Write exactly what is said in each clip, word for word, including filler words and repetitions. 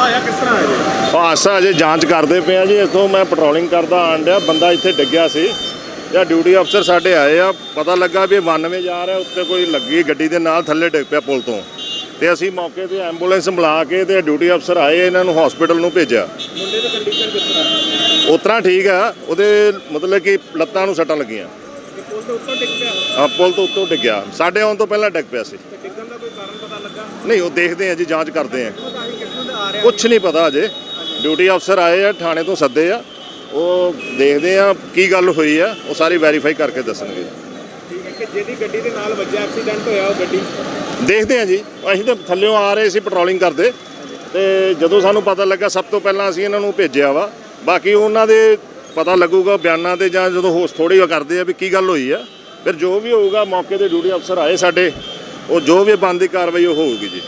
ਹਾਦਸਾ ਹੋਇਆ ਕਿਸ ਤਰ੍ਹਾਂ ਹੈ? ਹਾਦਸਾ ਅਜੇ ਜਾਂਚ ਕਰਦੇ ਪਏ ਆ ਜੀ। ਇੱਥੋਂ ਮੈਂ ਪੈਟਰੋਲਿੰਗ ਕਰਦਾ ਆਣ ਡਿਆ, ਬੰਦਾ ਇੱਥੇ ਡਿੱਗਿਆ ਸੀ ਜਾਂ ਡਿਊਟੀ ਅਫਸਰ ਸਾਡੇ ਆਏ ਆ, ਪਤਾ ਲੱਗਾ ਵੀ ਬਾਨਵੇਂ ਜਾ ਰਿਹਾ, ਉੱਤੇ ਕੋਈ ਲੱਗੀ ਗੱਡੀ ਦੇ ਨਾਲ ਥੱਲੇ ਡਿੱਗ ਪਿਆ ਪੁਲ ਤੋਂ, ਤੇ ਅਸੀਂ ਮੌਕੇ ਤੇ ਐਂਬੂਲੈਂਸ ਬੁਲਾ ਕੇ ਤੇ ਡਿਊਟੀ ਅਫਸਰ ਆਏ, ਇਹਨਾਂ ਨੂੰ ਹਸਪੀਟਲ ਨੂੰ ਭੇਜਿਆ। ਮੁੰਡੇ ਦੀ ਕੰਡੀਸ਼ਨ ਕਿਸ ਤਰ੍ਹਾਂ? ਉਸ ਤਰ੍ਹਾਂ ਠੀਕ ਆ, ਉਹਦੇ ਮਤਲਬ ਕਿ ਲੱਤਾਂ ਨੂੰ ਸੱਟਾਂ ਲੱਗੀਆਂ। ਪੁਲ ਤੋਂ ਉੱਤੋਂ ਡਿੱਗ ਪਿਆ? ਆ ਪੁਲ ਤੋਂ ਉੱਤੋਂ ਡਿੱਗਿਆ, ਸਾਡੇ ਆਉਣ ਤੋਂ ਪਹਿਲਾਂ ਡਿੱਗ ਪਿਆ ਸੀ। ਡਿੱਗਣ ਦਾ ਕੋਈ ਕਾਰਨ ਪਤਾ ਲੱਗਾ? ਨਹੀਂ, ਉਹ ਦੇਖਦੇ ਆ ਜੀ, ਜਾਂਚ ਕਰਦੇ ਆ, ਕਿੱਥੋਂ ਦਾ ਆ ਰਿਹਾ? ਕੁਛ ਨਹੀਂ ਪਤਾ ਅਜੇ। ਡਿਊਟੀ ਅਫਸਰ ਆਏ ਆ, ਥਾਣੇ ਤੋਂ ਸੱਦੇ ਆ, ਉਹ ਦੇਖਦੇ ਆ ਕੀ ਗੱਲ ਹੋਈ ਆ, ਉਹ ਸਾਰੀ ਵੈਰੀਫਾਈ ਕਰਕੇ ਦੱਸਣਗੇ। ਠੀਕ ਹੈ ਕਿ ਜਿਹਦੀ ਗੱਡੀ ਦੇ ਨਾਲ ਵੱਜਿਆ ਐਕਸੀਡੈਂਟ ਹੋਇਆ ਉਹ ਗੱਡੀ ਦੇਖਦੇ ਆ ਜੀ। ਅਸੀਂ ਤਾਂ ਥੱਲਿਓਂ ਆ ਰਹੇ ਸੀ ਪੈਟਰੋਲਿੰਗ ਕਰਦੇ, ਤੇ ਜਦੋਂ ਸਾਨੂੰ ਪਤਾ ਲੱਗਾ ਸਭ ਤੋਂ ਪਹਿਲਾਂ ਅਸੀਂ ਇਹਨਾਂ ਨੂੰ ਭੇਜਿਆ ਵਾ। ਬਾਕੀ ਉਹਨਾਂ ਦੇ ਪਤਾ ਲੱਗੂਗਾ ਬਿਆਨਾਂ ਤੇ, ਜਾਂ ਜਦੋਂ ਹੋਸ ਥੋੜੀ ਕਰਦੇ ਆ ਵੀ ਕੀ ਗੱਲ ਹੋਈ ਆ, ਫਿਰ ਜੋ ਵੀ ਹੋਊਗਾ ਮੌਕੇ ਤੇ ਡਿਊਟੀ ਅਫਸਰ ਆਏ ਸਾਡੇ, ਉਹ ਜੋ ਵੀ ਬਣਦੀ ਕਾਰਵਾਈ ਉਹ ਹੋਊਗੀ ਜੀ।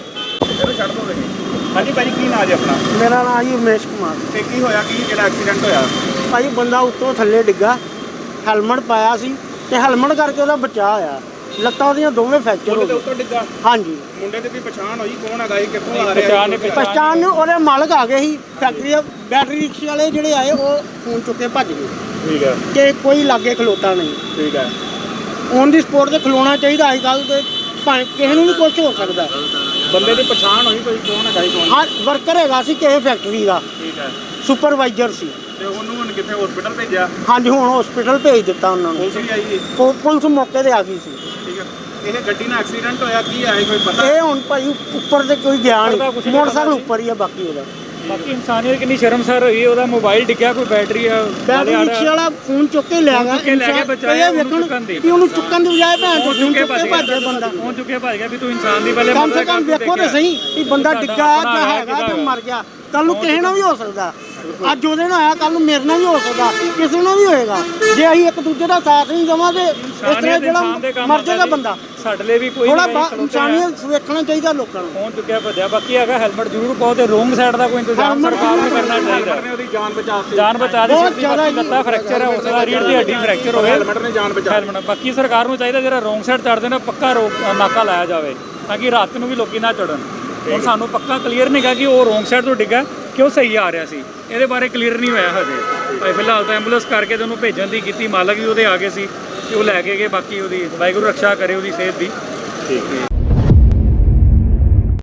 ਛੱਡ ਦੋ। ਹਾਂਜੀ ਭਾਜੀ, ਕੀ ਨਾਂ ਜੀ ਆਪਣਾ? ਮੇਰਾ ਨਾਮ ਜੀ ਉਮੇਸ਼ ਕੁਮਾਰ। ਤੇ ਕੀ ਹੋਇਆ, ਕੀ ਜਿਹੜਾ ਐਕਸੀਡੈਂਟ ਹੋਇਆ? ਭਾਜੀ ਬੰਦਾ ਉੱਤੋਂ ਥੱਲੇ ਡਿੱਗਾ, ਹੈਲਮਟ ਪਾਇਆ ਸੀ ਤੇ ਹੈਲਮਟ ਕਰਕੇ ਉਹਦਾ ਬਚਾਅ ਹੋਇਆ। ਲੱਤਾਂ ਉਹਦੀਆਂ ਦੋਵੇਂ ਫ੍ਰੈਕਚਰ ਹੋ ਮੁੰਡੇ ਦੇ ਗਏ। ਉੱਤੋਂ ਡਿੱਗਾ? ਹਾਂਜੀ। ਮੁੰਡੇ ਦੀ ਵੀ ਪਛਾਣ ਹੋਈ ਕੌਣ ਹੈਗਾ ਇਹ, ਕਿੱਥੋਂ ਆ ਰਿਹਾ? ਪਛਾਣ ਨੂੰ ਉਹਦੇ ਮਾਲਕ ਆ ਗਏ ਸੀ, ਫੈਕਟਰੀ ਦੇ ਬੈਟਰੀ ਰਿਕਸ਼ੇ ਵਾਲੇ ਜਿਹੜੇ ਆਏ ਉਹ ਫੋਨ ਚੁੱਕ ਕੇ ਭੱਜ ਗਏ। ਠੀਕ ਹੈ। ਤੇ ਕੋਈ ਲਾਗੇ ਖਲੋਤਾ ਨਹੀਂ। ਠੀਕ ਹੈ। ਔਨ ਦੀ ਸਪੋਰਟ ਤੇ ਖਲੋਣਾ ਚਾਹੀਦਾ ਅੱਜ ਕੱਲ੍ਹ, ਤੇ ਭਾਵੇਂ ਕਿਸੇ ਨੂੰ ਵੀ ਕੁਝ ਹੋ ਸਕਦਾ। ਬੰਦੇ ਦੀ ਪਛਾਣ ਹੋਈ ਕੋਈ ਕੌਣ ਹੈਗਾ? ਕੌਣ? ਹਾਂ, ਵਰਕਰ ਹੈਗਾ ਸੀ ਕਿਸੇ ਫੈਕਟਰੀ ਦਾ, ਠੀਕ ਹੈ। ਸੁਪਰਵਾਈਜ਼ਰ ਸੀ। ਤੇ ਉਹਨੂੰ ਹੁਣ ਕਿੱਥੇ ਹਸਪੀਟਲ ਭੇਜਿਆ? ਹਾਂਜੀ, ਹੁਣ ਹਸਪੀਟਲ ਭੇਜ ਦਿੱਤਾ ਉਹਨਾਂ ਨੂੰ। ਪੁਲਿਸ ਵੀ ਆਈ ਹੈ? ਪੁ- ਪੁਲਿਸ ਮੌਕੇ ਤੇ ਆ ਗਈ ਸੀ। ਠੀਕ ਹੈ। ਇਹ ਗੱਡੀ ਨਾਲ ਐਕਸੀਡੈਂਟ ਹੋਇਆ, ਕੀ ਹੈ ਕੋਈ ਪਤਾ? ਇਹ ਹੁਣ ਭਾਈ ਉੱਪਰ ਤੇ ਕੋਈ ਗਿਆ ਨਹੀਂ, ਮੋਟਰਸਾਈਕਲ ਉੱਪਰ ਹੀ ਆ ਬਾਕੀ ਉਹਦਾ। ਬਾਕੀ ਇਨਸਾਨੀਅਤ ਕਿੰਨੀ ਸ਼ਰਮਸਾਰ ਹੋਈ, ਉਹਦਾ ਮੋਬਾਈਲ ਡਿੱਗਿਆ, ਕੋਈ ਬੈਟਰੀ ਆ ਬੈਟਰੀ ਰਿਕਸ਼ੇ ਵਾਲਾ ਫੋਨ ਚੁੱਕ ਕੇ ਲੈ ਗਿਆ, ਚੁੱਕ ਕੇ ਲੈ ਗਿਆ, ਬਚਾਇਆ ਉਹਨੂੰ ਚੁੱਕਣ ਦੀ। ਵੀ ਉਹਨੂੰ ਚੁੱਕਣ ਦੀ ਬਜਾਏ ਭੈਣ ਚੋਦ ਚੁੱਕ ਕੇ ਚੁੱਕ ਕੇ ਭੱਜ ਗਿਆ ਬੰਦਾ। ਪਹੁੰਚ ਚੁੱਕਿਆ ਭੱਜ ਗਿਆ ਵੀ ਤੂੰ ਇਨਸਾਨ ਦੀ ਪਹਿਲੇ ਕਮ ਸੇ ਕਮ ਵੇਖੋ ਤੇ ਸਹੀ ਵੀ ਬੰਦਾ ਡਿੱਗਾ ਜਾਂ ਹੈਗਾ ਤੇ ਮਰ ਗਿਆ। ਕੱਲ ਨੂੰ ਕਿਸੇ ਨਾਲ ਵੀ ਹੋ ਸਕਦਾ। ਅੱਜ ਉਹਦੇ ਨਾਲ ਆਇਆ, ਕੱਲ ਨੂੰ ਮੇਰੇ ਨਾਲ ਵੀ ਹੋ ਸਕਦਾ, ਕਿਸੇ ਨਾਲ ਵੀ ਹੋਏਗਾ। ਜੇ ਅਸੀਂ ਇੱਕ ਦੂਜੇ ਦਾ ਸਾਥ ਨਹੀਂ ਦੇਵਾਂਗੇ, ਇਸ ਤਰ੍ਹਾਂ ਜਿਹੜਾ ਮਰ ਜਾਏਗਾ ਬੰਦਾ। ਸਾਡੇ ਲਈ ਵੀ ਕੋਈ ਥੋੜਾ ਇਨਸਾਨੀਅਤ ਵੇਖਣਾ ਚਾਹੀਦਾ ਲੋਕਾਂ ਨੂੰ। ਪਹੁੰਚ ਚੁੱਕਿਆ ਭੱਜਿਆ। ਬਾਕੀ ਹੈਗਾ ਹੈਲਮਟ ਜ਼ਰੂਰ ਪਾਓ ਤੇ ਰੋਂਗ ਸਾਈਡ ਦਾ ਕੋਈ ਇੰਤਜ਼ਾਮ ਸਰਕਾਰ ਨੂੰ ਕਰਨਾ ਚਾਹੀਦਾ। ਉਹਦੀ ਜਾਨ ਬਚਾਤੀ। ਜਾਨ ਬਚਾ ਦੇ ਸਕਦੀ। ਬਾਕੀ ਲੱਤਾਂ ਫ੍ਰੈਕਚਰ ਹੈ, ਉਸ ਦਾ ਰੀੜ ਦੀ ਹੱਡੀ ਫ੍ਰੈਕਚਰ ਹੋਵੇ, ਹੈਲਮਟ ਨੇ ਜਾਨ ਬਚਾ। ਹੈਲਮਟ ਬਾਕੀ ਸਰਕਾਰ ਨੂੰ ਚਾਹੀਦਾ ਜਿਹੜਾ ਰੋਂਗ ਸਾਈਡ ਚੜ੍ਹਦੇ ਨੇ ਪੱਕਾ ਰੋਕ ਨਾਕਾ ਲਾਇਆ ਜਾਵੇ, ਤਾਂ ਕਿ ਰਾਤ ਨੂੰ ਵੀ ਲੋਕੀ ਨਾ ਚੜਨ। ਹੁਣ ਸਾਨੂੰ ਪੱਕਾ ਕਲੀਅਰ ਨਹੀਂ ਗਾ ਕਿ ਉਹ ਰੋਂਗ ਸਾਈਡ ਤੋਂ ਡਿੱਗਾ ਕਿ ਉਹ ਸਹੀ ਆ ਰਿਹਾ ਸੀ, ਇਹਦੇ ਬਾਰੇ ਕਲੀਅਰ ਨਹੀਂ ਹੋਇਆ ਹਜੇ। ਭਾਈ ਫਿਲਹਾਲ ਤਾਂ ਐਂਬੂਲੈਂਸ ਕਰਕੇ ਤੇ ਉਹਨੂੰ ਭੇਜਣ ਦੀ ਕੀਤੀ, ਮਾਲਕ ਵੀ ਉਹਦੇ ਆ ਗਏ ਸੀ ਤੇ ਉਹ ਲੈ ਕੇ ਗਏ। ਬਾਕੀ ਉਹਦੀ ਵਾਹਿਗੁਰੂ ਰੱਖਿਆ ਕਰੇ ਉਹਦੀ ਸਿਹਤ ਦੀ। ਠੀਕ ਹੈ।